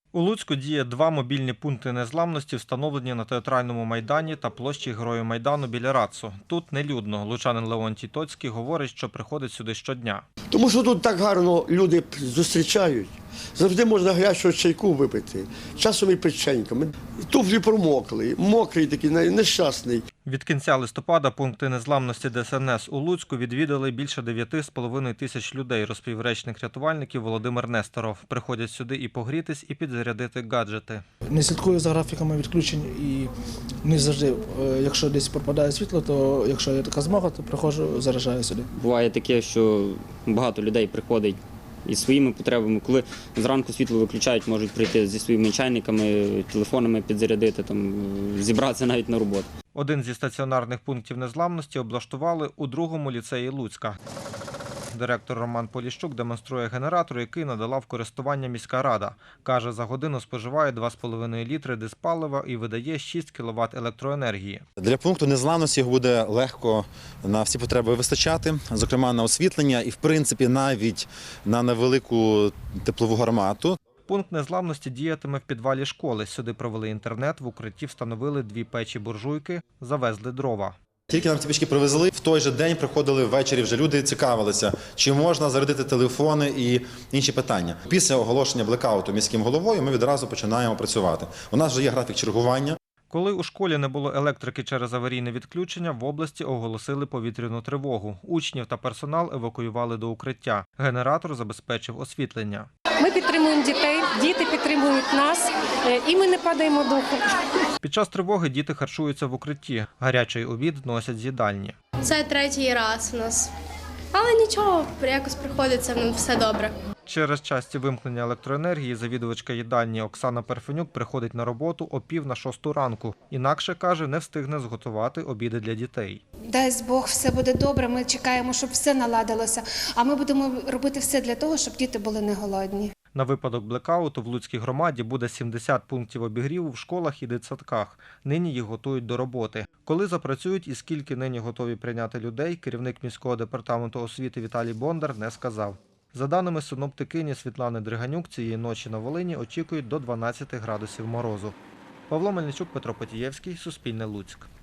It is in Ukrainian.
У Луцьку діє 2 мобільні пункти незламності, встановлені на Театральному майдані та площі Героїв Майдану біля РАЦу. Тут нелюдно. Лучанин Леонтій Тоцький говорить, що приходить сюди щодня. Тому що тут так гарно люди зустрічають. Завжди можна гарячого чайку випити, часом і печеньками. Туфлі промокли, мокрий такий, нещасний. Від кінця листопада пункти незламності ДСНС у Луцьку відвідали більше 9,5 тисяч людей, розповів речник рятувальників Володимир Несторов. Приходять сюди і погрітись, і підзарядити гаджети. Не слідкую за графіками відключень і не завжди, якщо десь пропадає світло, то якщо є така змога, то приходжу, заряджаю сюди. Буває таке, що багато людей приходить із своїми потребами. Коли зранку світло виключають, можуть прийти зі своїми чайниками, телефонами підзарядити, зібратися навіть на роботу. Один зі стаціонарних пунктів незламності облаштували у 2-му ліцеї Луцька. Директор Роман Поліщук демонструє генератор, який надала в користування міська рада. Каже, за годину споживає 2,5 літри дизпалива і видає 6 кВт електроенергії. Для пункту незламності його буде легко на всі потреби вистачати, зокрема на освітлення і, в принципі, навіть на невелику теплову гармату. Пункт незламності діятиме в підвалі школи. Сюди провели інтернет, в укритті встановили 2 печі-буржуйки, завезли дрова. Тільки нам ці пічки привезли, в той же день приходили ввечері, вже люди цікавилися, чи можна зарядити телефони і інші питання. Після оголошення блекауту міським головою ми відразу починаємо працювати. У нас вже є графік чергування. Коли у школі не було електрики через аварійне відключення, в області оголосили повітряну тривогу. Учнів та персонал евакуювали до укриття. Генератор забезпечив освітлення. Ми підтримуємо дітей, діти підтримують нас, і ми не падаємо духом. Під час тривоги діти харчуються в укритті. Гарячий обід носять з їдальні. Це 3-й раз у нас. Але нічого, якось приходиться, в все добре. Через часті вимкнення електроенергії завідувачка їдальні Оксана Перфенюк приходить на роботу о 5:45 ранку. Інакше, каже, не встигне зготувати обіди для дітей. Дасть Бог, все буде добре, ми чекаємо, щоб все наладилося, а ми будемо робити все для того, щоб діти були не голодні. На випадок блекауту в Луцькій громаді буде 70 пунктів обігріву в школах і дитсадках. Нині їх готують до роботи. Коли запрацюють і скільки нині готові прийняти людей, керівник міського департаменту освіти Віталій Бондар не сказав. За даними синоптикині Світлани Дриганюк, цієї ночі на Волині очікують до 12 градусів морозу. Павло Мельничук, Петро Потієвський, Суспільне Луцьк.